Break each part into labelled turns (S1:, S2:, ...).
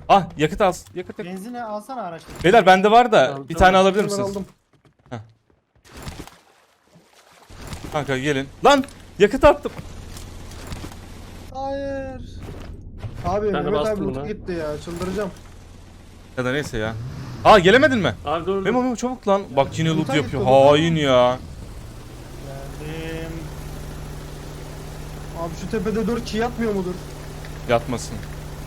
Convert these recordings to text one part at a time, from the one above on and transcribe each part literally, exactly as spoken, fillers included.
S1: Ah yakıt al. Yakıt yakıt.
S2: Benzini alsana araçta.
S1: Beyler bende var da
S3: Aldım.
S1: bir tane alabilir
S3: Ben
S1: misiniz?
S3: aldım.
S1: Kanka gelin. Lan yakıt attım.
S3: Hayır. Abi Ben de Mehmet abi
S1: şey
S3: loot'a
S2: şey
S3: gitti
S1: ya.
S3: gitti ya. Çıldıracağım.
S1: Ya da neyse ya. Aa gelemedin mi?
S3: Abi dur.
S1: Memo Memo çabuk lan. Bak yine loot
S3: Loot'a
S1: yapıyor.
S3: gitti, loot'a.
S1: Hain ya.
S2: Geldim.
S3: Abi şu tepede dört kişi yatmıyor mudur?
S1: Yatmasın.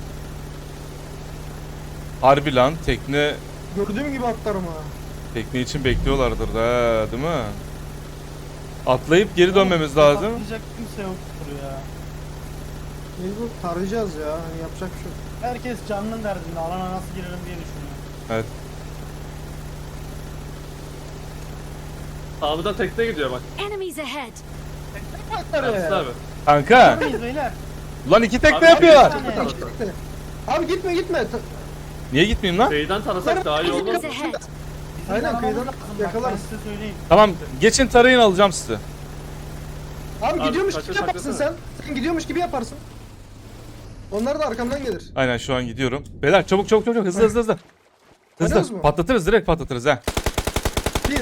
S1: Harbi lan tekne
S3: Gördüğüm gibi atlarım ha.
S1: tekne için bekliyorlardır da değil mi? Atlayıp geri dönmemiz lazım.
S2: Atlayacak kimse yoktur ya.
S3: Mecbur tarayacağız ya. Hani yapacak bir şey yok.
S2: Herkes canının derdinde. Alana nasıl girelim diye düşünüyor.
S1: Evet.
S4: Abi da tekne gidiyor bak.
S5: Enemies ahead.
S4: Yatsın abi.
S1: Kanka.
S2: Neredeyiz beyler?
S1: Lan iki tekne
S4: Abi,
S1: yapıyorlar.
S2: bir tane.
S4: Tamam.
S3: Gitti. Abi gitme gitme. Ta-
S1: Niye gitmeyeyim lan?
S4: Kıyıdan tarasak daha iyi olmaz
S5: Enemies
S4: mı?
S5: ahead.
S2: Bizim
S3: Aynen,
S2: aramamız
S3: kıyıdan
S2: lazım. Bak,
S3: yakalarız.
S2: ben size söyleyeyim.
S1: Tamam geçin tarayın alacağım sizi.
S3: Abi,
S4: Abi,
S3: gidiyormuş
S4: kaça
S3: gibi yaparsın sen.
S4: saklasana.
S3: Sen gidiyormuş gibi yaparsın. Onlar da arkamdan gelir.
S1: Aynen şu an gidiyorum. Beyler çabuk çabuk çabuk hızlı hızlı hızlı.
S3: Oynuyoruz
S1: Hızlı
S3: mu?
S1: patlatırız direkt patlatırız ha.
S3: Bir.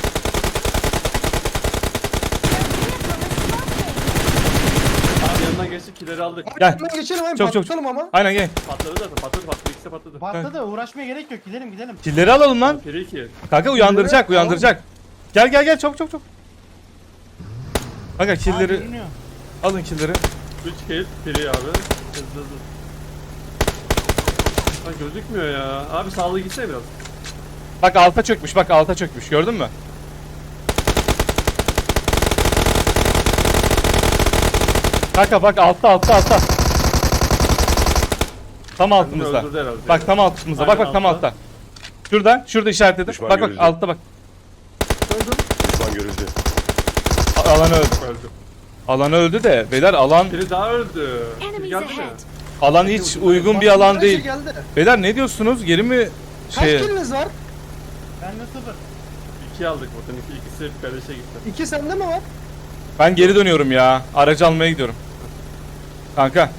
S4: Abi yanından geçtik kileri aldık.
S3: Abi
S1: Gel.
S3: hemen geçelim hemen
S1: Çok, çok,
S3: patlatalım ama.
S1: Aynen gel.
S4: Patladı zaten patladı patladı ikisi de patladı.
S2: Patladı uğraşmaya gerek yok. Gidelim gidelim.
S1: Killeri alalım lan.
S4: Piri iki.
S1: Kanka uyandıracak
S3: Killeri-
S1: uyandıracak. Gel gel gel çabuk çabuk çabuk. Kanka
S2: Aa,
S1: killeri
S2: görünüyor.
S1: alın killeri.
S4: üç kill piri abi. Hızlı hızlı. Lan gözükmüyor ya. Abi sağlığı gitsene biraz.
S1: Bak alta çökmüş bak alta çökmüş gördün mü? Kanka bak altta altta altta. Tam altımızda.
S4: öldürdü herhalde.
S1: Bak tam altımızda. Bak
S4: Aynen
S1: bak tam
S4: altta.
S1: altta. Şurada şurada işaretledim.
S6: Düşman
S1: Bak bak
S6: görüldü.
S1: altta bak.
S3: Öldüm.
S6: Düşman görüldü.
S1: A- Alan öldü.
S4: Öldü.
S1: Alan öldü de beyler alan
S4: Piri daha öldü. Piri
S5: Enemies
S4: geldi mi?
S5: ahead.
S1: alan hiç uygun bir
S3: Bak,
S1: alan
S3: her
S1: değil.
S3: şey geldi.
S1: Beyler ne diyorsunuz? Geri mi
S3: Kaç
S1: şey?
S3: kiliniz var?
S2: Bende sıfır.
S4: İki aldık buradan. İki, ikisi kardeşe gitti.
S3: İki sende mi var?
S1: Ben geri dönüyorum ya. Aracı almaya gidiyorum. Kanka.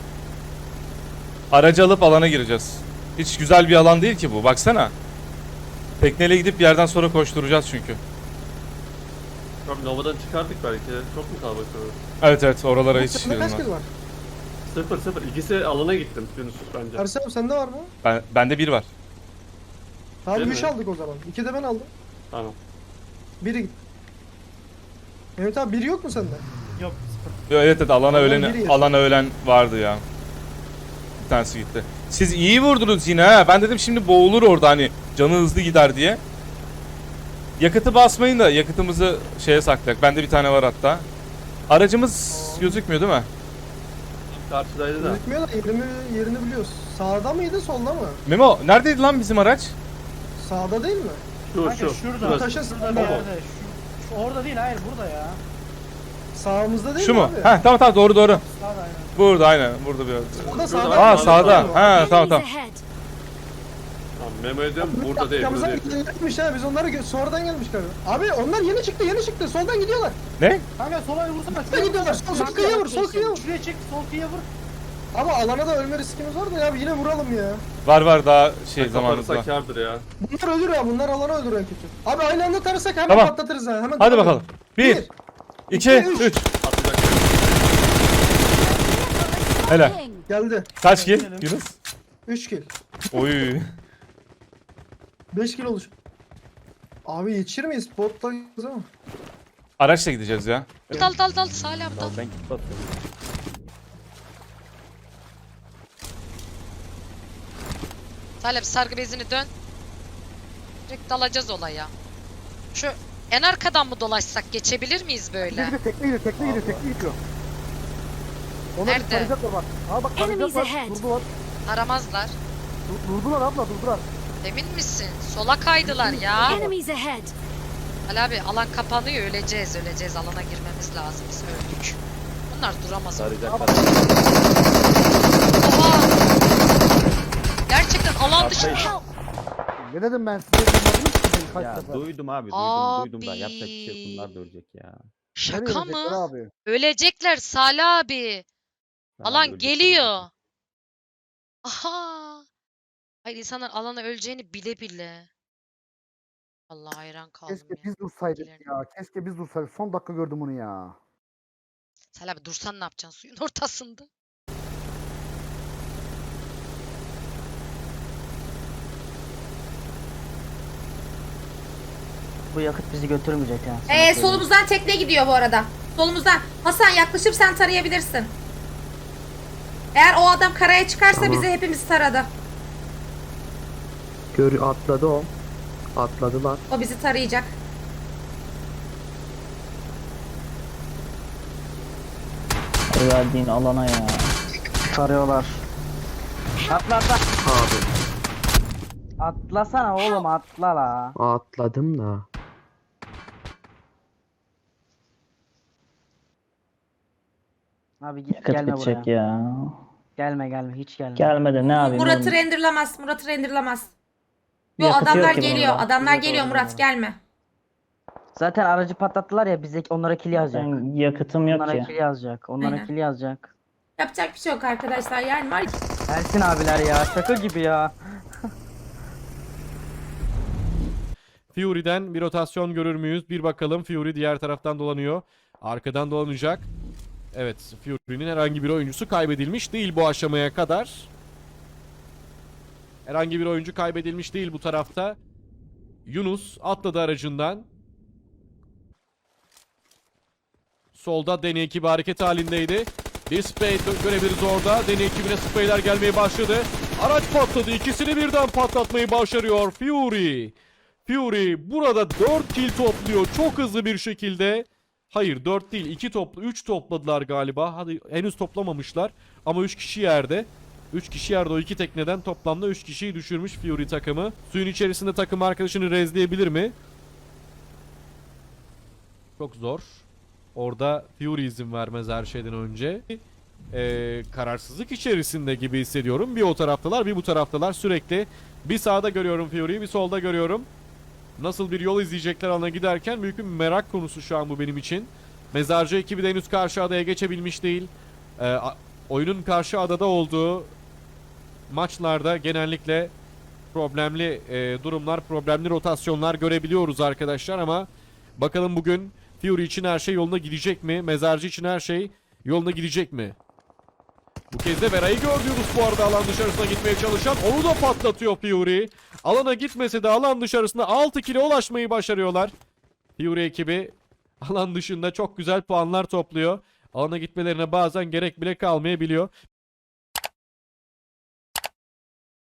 S1: Aracı alıp alana gireceğiz. Hiç güzel bir alan değil ki bu. Baksana. Tekneyle gidip bir yerden sonra koşturacağız çünkü.
S4: Abi Nova'dan çıkardık belki. Çok mu kalabalık olur?
S1: Evet evet oralara hiç
S3: Sende kaç
S1: girmem.
S3: kill var?
S4: Sıfır sıfır. İkisi alana gittim Yunus bence.
S3: Ersem sende var mı?
S1: Ben, bende bir var.
S3: Tamam
S4: Değil
S3: üç
S4: mi?
S3: aldık o zaman. İki de ben aldım.
S4: Tamam.
S3: Biri gitti. Mehmet abi biri yok mu sende?
S2: Yok sıfır.
S1: Evet evet alana
S3: Alan
S1: ölen
S3: biri yaşıyor.
S1: alana ölen vardı ya. Bir tanesi gitti. Siz iyi vurdunuz yine ha. Ben dedim şimdi boğulur orada hani canı hızlı gider diye. Yakıtı basmayın da yakıtımızı şeye saklayak. Bende bir tane var hatta. Aracımız gözükmüyor değil mi?
S4: Karşıdaydı da.
S3: Gözükmüyor da yerini, yerini biliyoruz. Sağda mıydı solda mı?
S1: Memo neredeydi lan bizim araç?
S3: Sağda değil mi?
S4: Şu
S2: Kanka
S4: şu.
S2: şurada.
S4: Şurası.
S3: Taşın
S2: Şurada
S3: sağında
S2: bir
S3: mı?
S2: yerde. Şu, şu orada değil hayır burada ya.
S3: Sağımızda değil
S1: Şu
S3: mi
S1: mu?
S3: abi?
S1: Heh tamam tamam doğru doğru.
S2: Sağda aynen.
S1: Burada aynen burada bir yerde.
S3: Sağda
S4: Şurada
S3: sağda.
S4: bak.
S1: Aa sağda. Ha tamam
S5: Enemies
S1: tamam.
S5: ahead.
S4: Tamam memo ediyorum burada değil
S3: Arkamızdan
S4: burada değil.
S3: gelmiş ha biz onları gö- sonradan gelmiş galiba. Abi onlar yeni çıktı yeni çıktı soldan gidiyorlar.
S1: Ne?
S2: Kanka sola vursana.
S3: Soldan gidiyorlar sol, sol kıyıya vur sol kıyıya vur.
S2: Şuraya çek sol kıyıya vur.
S3: Ama alana da ölme riskimiz var da ya yine vuralım ya.
S1: Var var daha şey zamanımız var.
S4: Kaparsa kârdır ya.
S3: Bunlar ölür ya bunlar alana öldür en kötü. Abi aynı anda tarasak hemen
S1: Tamam.
S3: patlatırız ha hemen.
S1: Hadi
S3: tamam.
S1: bakalım. Bir,
S3: Bir,
S1: iki,
S3: üç.
S1: üç.
S4: Atacak.
S1: Hele.
S5: Smoking.
S3: Geldi.
S1: Kaç kill?
S2: Gidelim.
S1: Yunus?
S3: üç kill.
S1: Oy.
S3: beş kill oluş. Abi yetişir miyiz? Botlayız ama.
S1: Araçla gideceğiz ya.
S5: Dal dal dal Salih abi dal.
S7: Ben git basıyorum.
S5: Salih abi sargı bezini dön. Direkt dalacağız olaya. Şu en arkadan mı dolaşsak geçebilir miyiz böyle?
S7: Tekne gidiyor, tekne gidiyor, tekne gidiyor. Onlar
S5: Nerede?
S7: tarayacaklar bak. Aa bak
S5: Enemies
S7: tarayacaklar.
S5: ahead.
S7: Durdular.
S5: Aramazlar.
S7: Dur- Durdular abla durdular.
S5: Emin misin? Sola kaydılar ya.
S8: Enemies ahead.
S5: Ali abi alan kapanıyor öleceğiz öleceğiz alana girmemiz lazım biz öldük. Bunlar duramaz. orada.
S7: Tarayacaklar.
S5: Oha! Gerçekten alan dışı.
S8: Help.
S7: Ne dedim ben size duymadınız ki beni kaç
S9: Ya
S7: sefer.
S9: duydum abi duydum
S5: Abi.
S9: duydum da yapacak bir şey yok, bunlar da ölecek ya.
S5: Şaka
S7: Nereye gidecekler
S5: mı?
S7: Abi?
S5: Ölecekler Salih abi.
S9: Daha da
S5: Alan
S9: ölecek
S5: geliyor.
S9: tabii ki.
S5: Aha. Hayır insanlar alana öleceğini bile bile. Allah hayran kaldım
S7: Keşke
S5: ya.
S7: biz dursaydık
S5: bilgilerine.
S7: ya. Keşke biz dursaydık. Son dakika gördüm bunu ya.
S5: Salih abi dursan ne yapacaksın suyun ortasında?
S6: Bu yakıt bizi götürmeyecek yani. sana
S8: Ee,
S6: söyleyeyim.
S8: solumuzdan tekne gidiyor bu arada. Solumuzdan. Hasan yaklaşıp sen tarayabilirsin. Eğer o adam karaya çıkarsa
S10: Tamam.
S8: bizi hepimiz taradı.
S10: Gör atladı o. Atladılar.
S8: O bizi tarayacak.
S6: Verdiğin alana ya. Sarıyorlar. Atla atla.
S10: Abi
S6: Atlasana oğlum atla la.
S10: atladım da.
S6: Abi ge- gelme buraya.
S9: ya.
S6: Gelme gelme hiç gelme.
S9: Gelmedi ne yapayım?
S8: Murat'ı
S9: oğlum?
S8: renderlamaz. Murat'ı renderlamaz. Yo
S6: Yakıtı
S8: adamlar
S6: yok ki
S8: geliyor.
S6: bunda.
S8: Adamlar
S6: Yok,
S8: geliyor
S6: doğru,
S8: Murat
S6: doğru.
S8: gelme.
S6: Zaten aracı patlattılar ya bize onlara kill yazacak.
S9: Ben yakıtım yok
S6: Onlara
S9: ki.
S6: kill yazacak. Onlara
S8: Aynen.
S6: kill yazacak.
S8: Yapacak bir şey yok arkadaşlar. Yani var ya-
S6: Ersin abiler ya şaka gibi ya.
S11: Fury'den bir rotasyon görür müyüz? Bir bakalım. Fury diğer taraftan dolanıyor. Arkadan dolanacak. Evet, Fury'nin herhangi bir oyuncusu kaybedilmiş değil bu aşamaya kadar. Herhangi bir oyuncu kaybedilmiş değil bu tarafta. Yunus atladı aracından. Solda Deni ekibi hareket halindeydi. Bir spray görebiliriz orada. Deni ekibine sprayler gelmeye başladı. Araç patladı. İkisini birden patlatmayı başarıyor Fury. Fury burada dört kill topluyor çok hızlı bir şekilde. Hayır dört değil iki toplu üç topladılar galiba. Hadi henüz toplamamışlar ama üç kişi yerde. üç kişi yerde o iki tekneden toplamda üç kişiyi düşürmüş Fury takımı. Suyun içerisinde takım arkadaşını rezleyebilir mi? Çok zor. Orada Fury izin vermez her şeyden önce. Ee, kararsızlık içerisinde gibi hissediyorum. Bir o taraftalar bir bu taraftalar sürekli. Bir sağda görüyorum Fury'yi bir solda görüyorum. Nasıl bir yol izleyecekler alana giderken büyük bir merak konusu şu an bu benim için. Mezarcı ekibi de henüz karşı adaya geçebilmiş değil. Ee, a- oyunun karşı adada olduğu maçlarda genellikle problemli e, durumlar, problemli rotasyonlar görebiliyoruz arkadaşlar ama bakalım bugün Fury için her şey yoluna gidecek mi? Mezarcı için her şey yoluna gidecek mi? Bu kez de Vera'yı gördüğümüz bu arada alan dışarısına gitmeye çalışan onu da patlatıyor Fury. Alana gitmese de alan dışarısına altı kile ulaşmayı başarıyorlar. Fury ekibi alan dışında çok güzel puanlar topluyor. Alana gitmelerine bazen gerek bile kalmayabiliyor.